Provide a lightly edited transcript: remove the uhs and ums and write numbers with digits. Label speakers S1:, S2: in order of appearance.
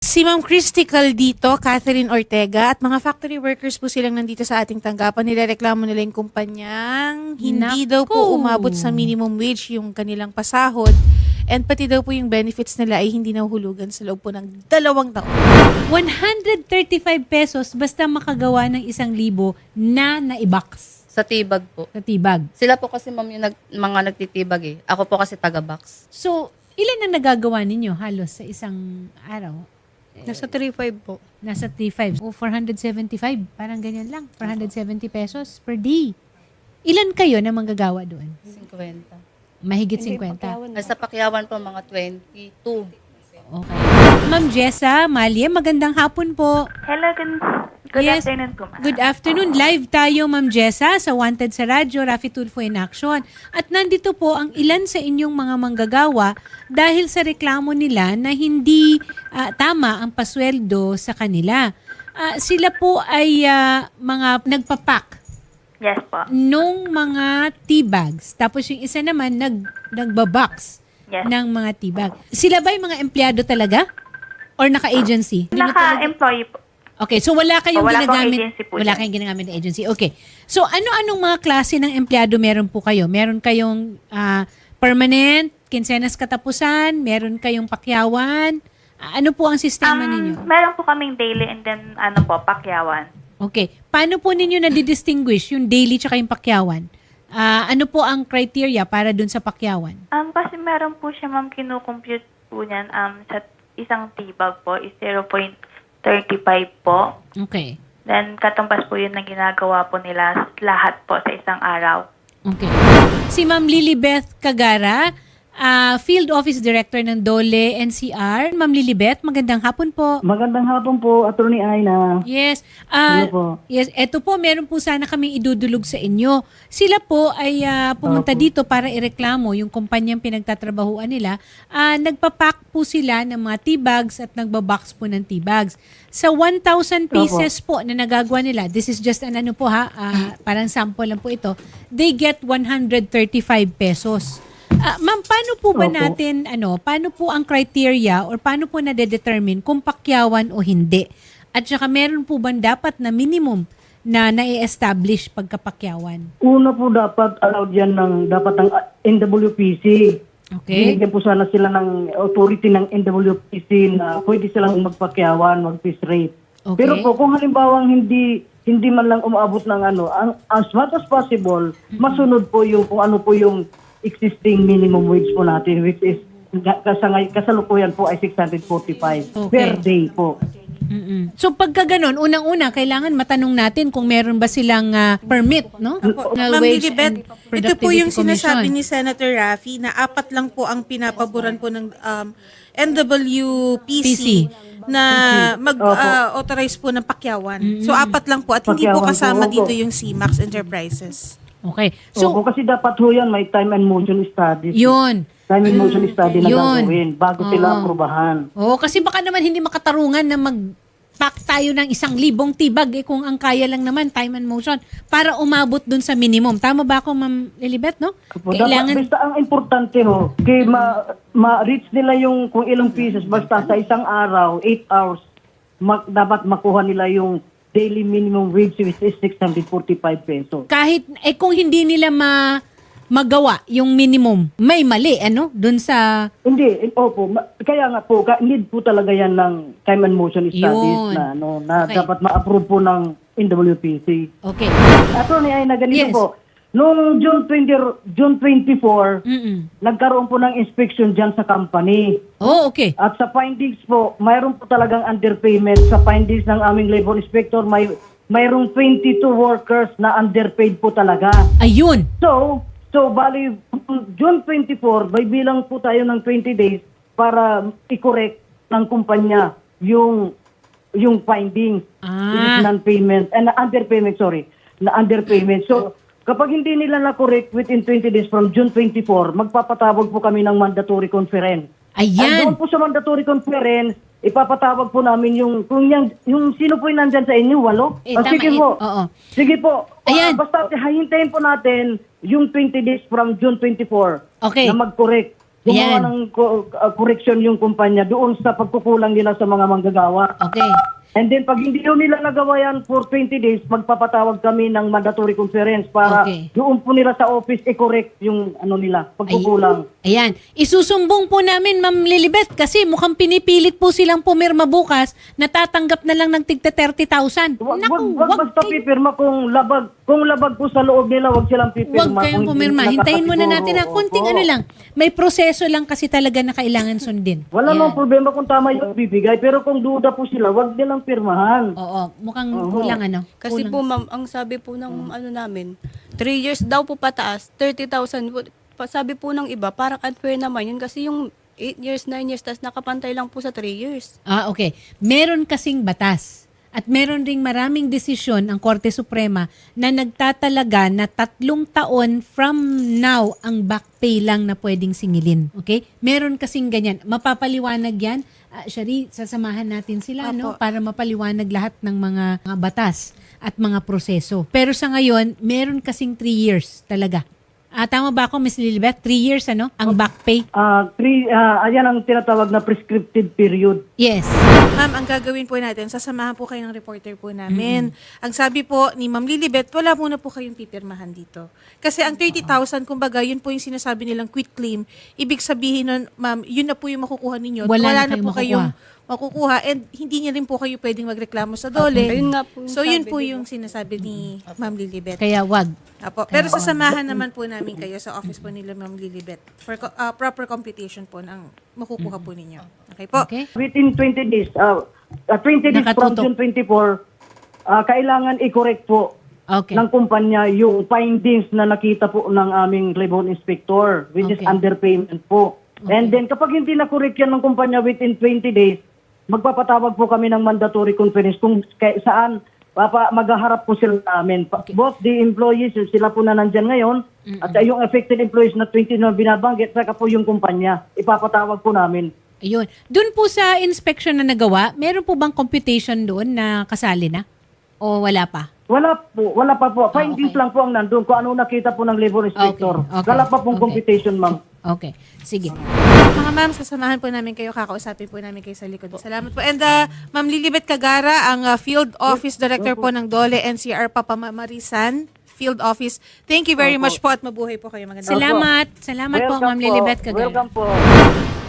S1: Si Ma'am Christy Caldito, Catherine Ortega, at mga factory workers po silang nandito sa ating tanggapan. Nirereklamo nila yung kumpanyang hindi daw po umabot sa minimum wage yung kanilang pasahod. And pati daw po yung benefits nila ay hindi nahuhulugan sa loob po ng 2 taon.
S2: 135 pesos basta makagawa ng 1,000 na naibox
S3: Sa tibag po.
S2: sa tibag.
S3: Sila po kasi ma'am yung mga nagtitibag eh. Ako po kasi taga-box.
S2: So, ilan ang nagagawa ninyo halos sa isang araw?
S1: Nasa 3.5 po.
S2: Nasa 3.5 o 475. Parang ganyan lang. 470 pesos per day. Ilan kayo na manggagawa doon?
S3: 50.
S2: Mahigit 50.
S3: Nasa Pakyawan po mga 22.
S2: Okay. Ma'am Jessa, Malie, magandang hapon po.
S4: Hello, good
S2: Yes.
S4: afternoon po, ma'am.
S2: Good afternoon. Live tayo, Ma'am Jessa, sa Wanted sa Radyo, Rafi Tulfo in Action. At nandito po ang ilan sa inyong mga manggagawa dahil sa reklamo nila na hindi tama ang pasweldo sa kanila. Sila po ay mga nagpapak
S4: Yes po.
S2: nung mga tea bags. Tapos yung isa naman nagbabox
S4: Yes.
S2: ng mga tea bag. Sila ba yung mga empleyado talaga? Or naka-agency?
S4: Naka-employee po.
S2: Okay, so wala kayong
S4: Wala pong
S2: ginagamit.
S4: agency po
S2: Wala
S4: dyan.
S2: kayong ginagamit na agency. Okay. So ano-anong mga klase ng empleyado meron po kayo? Meron kayong permanent, kinsenas katapusan, meron kayong pakyawan. Ano po ang sistema ninyo?
S4: Meron po kaming daily and then pakyawan.
S2: Okay. Paano po ninyo na-distinguish yung daily tsaka yung pakyawan? Ano po ang criteria para dun sa pakyawan?
S4: Kasi meron po siya, ma'am, kinukompute po niyan sa isang tibag po is 0.35 po.
S2: Okay.
S4: Then katumbas po yun na ginagawa po nila lahat po sa isang araw.
S2: Okay. Si Ma'am Lilibeth Cagara, Field Office Director ng Dole NCR. Ma'am Lilibeth, magandang hapon po.
S5: Magandang hapon po, Attorney Aina.
S2: Yes.
S5: Hello po.
S2: Yes, eto po, meron po sana kaming idudulog sa inyo. Sila po ay pumunta
S5: Opo.
S2: dito para ireklamo yung kumpanyang pinagtatrabahuan nila. Nagpapack po sila ng mga tea bags at nagbabox po ng tea bags. Sa 1,000 pieces po na nagagawa nila, this is just an ano po parang sample lang po ito, they get 135 pesos. Ma'am, paano po ba
S5: Opo.
S2: natin, paano po ang criteria or paano po nade-determine kung pakyawan o hindi? At saka meron po ba dapat na minimum na nai-establish pagkapakyawan?
S5: Una po dapat allowed yan dapat ng NWPC.
S2: Okay?
S5: Binigyan po sana sila ng authority ng NWPC na pwede silang magpakyawan, mag-piece rate.
S2: Okay.
S5: Pero po kung halimbawa hindi man lang umaabot ng as much as possible, masunod po yung kung ano po yung existing minimum wage po natin, which is kasalukuyan po ay 645
S2: Okay.
S5: per day po.
S2: Mm-mm. So pagka ganun, unang-una, kailangan matanong natin kung meron ba silang permit, no? National
S1: Ma'am
S2: Wage
S1: Lilibet,
S2: and
S1: ito po
S2: Productivity
S1: yung sinasabi
S2: Commission.
S1: ni Senator Raffy na 4 lang po ang pinapaboran po ng NWPC na mag-authorize po ng pakyawan. So 4 lang po at hindi po
S5: Pakyawan po,
S1: kasama
S5: opo.
S1: dito yung CMAX Enterprises.
S2: Okay.
S5: So,
S2: So,
S5: kasi dapat ho yan, may time and motion studies.
S2: yun.
S5: Time and motion study na
S2: Yun.
S5: gagawin bago sila aprubahan.
S2: Oo, kasi baka naman hindi makatarungan na mag-pack tayo ng 1,000 tibag kung ang kaya lang naman, time and motion, para umabot dun sa minimum. Tama ba ako, Ma'am Lilibet, no?
S5: Dapat, basta ang importante ho, kay ma-reach nila yung kung ilang pieces, basta sa isang araw, 8 hours, dapat makuha nila yung daily minimum wage which is 645 pesos.
S2: Kahit, kung hindi nila magawa yung minimum, may mali, dun sa...
S5: Hindi, opo, kaya nga po, need po talaga yan ng time and motion studies
S2: Yun.
S5: na
S2: Okay.
S5: dapat ma-approve po ng NWPC.
S2: Okay.
S5: Attorney ay na ganito
S2: Yes.
S5: po. Noong June 24, nagkaroon po ng inspection dyan sa company.
S2: Oh, okay.
S5: At sa findings po, mayroon po talagang underpayment. Sa findings ng aming labor inspector, mayroong 22 workers na underpaid po talaga.
S2: Ayun.
S5: So bali, June 24, may bilang po tayo ng 20 days para i-correct ng kumpanya yung findings. Which is non-payment, underpayment, na underpayment. So, kapag hindi nila na-correct within 20 days from June 24, magpapatawag po kami ng mandatory conference. At
S2: Ayan.
S5: doon po sa mandatory conference, ipapatawag po namin yung sino po yung nandyan sa inyo, 8?
S2: Tama,
S5: Sige po.
S2: oo.
S5: Sige po.
S2: Ayan.
S5: Basta hintayin po natin yung 20 days from June 24
S2: Okay.
S5: na mag-correct. gumawa
S2: Ayan.
S5: ng correction yung kumpanya doon sa pagkukulang nila sa mga manggagawa.
S2: Okay.
S5: And then pag hindi yun nila nagawa yan for 20 days, magpapatawag kami ng mandatory conference para
S2: Okay.
S5: doon po nila sa office i-correct yung ano nila, pagkukulang.
S2: Ayan. Isusumbong po namin, Ma'am Lilibet, kasi mukhang pinipilit po silang pumirma bukas, natatanggap na lang ng tigta 30,000. Naku,
S5: Wag basta pipirma kung labag po sa loob nila, wag silang pipirma.
S2: Huwag kayong
S5: Kung hindi
S2: pumirma.
S5: sila
S2: Hintayin muna
S5: nakasiguro.
S2: natin na konting
S5: Oo.
S2: ano lang. May proseso lang kasi talaga na kailangan sundin.
S5: Wala
S2: Ayan.
S5: namang problema kung tama yung bibigay, pero kung duda po sila, wag nilang pirmahan.
S2: Oo, mukhang kulang ano.
S6: Kasi
S2: kulang.
S6: po ma'am, ang sabi po ng ano namin, 3 years daw po pataas, 30,000 po. Sabi po ng iba, parang unfair naman yun kasi yung 8 years, 9 years, tas nakapantay lang po sa 3 years.
S2: Okay. Meron kasing batas. At meron ring maraming desisyon ang Korte Suprema na nagtatalaga na 3 taon from now ang back pay lang na pwedeng singilin. Okay? Meron kasing ganyan. Mapapaliwanag yan. Shari, sasamahan natin sila no para mapaliwanag lahat ng mga batas at mga proseso. Pero sa ngayon, meron kasing 3 years talaga. Tama ba ako, Ms. Lilibet? 3 years, ano? Ang back pay?
S5: Ayan ang tinatawag na prescriptive period.
S2: Yes.
S1: Ma'am, ang gagawin po natin, sasamahan po kayo ng reporter po namin. Ang sabi po ni Ma'am Lilibet, wala muna po kayong pipirmahan dito. Kasi ang 30,000, kumbaga, yun po yung sinasabi nilang quit claim. Ibig sabihin nun, ma'am, yun na po yung makukuha ninyo.
S2: Wala na
S1: na
S2: kayong
S1: po kayong makukuha and hindi niya rin po kayo pwedeng magreklamo sa DOLE.
S6: Ayun nga po yung
S1: So yun
S6: sabi,
S1: po
S6: di ba?
S1: yung sinasabi ni Ma'am Lilibet.
S2: Kaya wag.
S1: Apo. Pero sasamahan naman po namin kayo sa office po nila Ma'am Lilibet for proper computation po ng makukuha po ninyo. Okay po?
S2: Okay?
S5: Within 20 days, 20 days from
S2: Nakatutok.
S5: June 24, kailangan i-correct po
S2: Okay.
S5: ng kumpanya yung findings na nakita po ng aming labor inspector, which is
S2: Okay.
S5: underpayment po. And then kapag hindi na-correct yan ng kumpanya within 20 days, magpapatawag po kami ng mandatory conference kung saan maghaharap po sila namin. Both the employees, sila po na nandyan ngayon, at yung affected employees na 20 na binabanggit, saka po yung kumpanya, ipapatawag po namin.
S2: Ayun. Doon po sa inspection na nagawa, meron po bang computation doon na kasali na? O wala pa?
S5: Wala pa po. Findings lang po ang nandun kung ano nakita po ng labor inspector.
S2: Okay.
S5: Wala pa pong
S2: Okay.
S5: computation, ma'am.
S2: Okay. Sige.
S1: Mga ma'am, sasamahan po namin kayo, kakausapin po namin kayo sa likod. Salamat po. And Ma'am Lilibet Cagara, ang Field Office Director po ng DOLE NCR Papamarisan Field Office. Thank you very much po at mabuhay po kayo. Magandang
S2: Salamat. Salamat po, Ma'am Lilibet Cagara.
S5: Welcome po.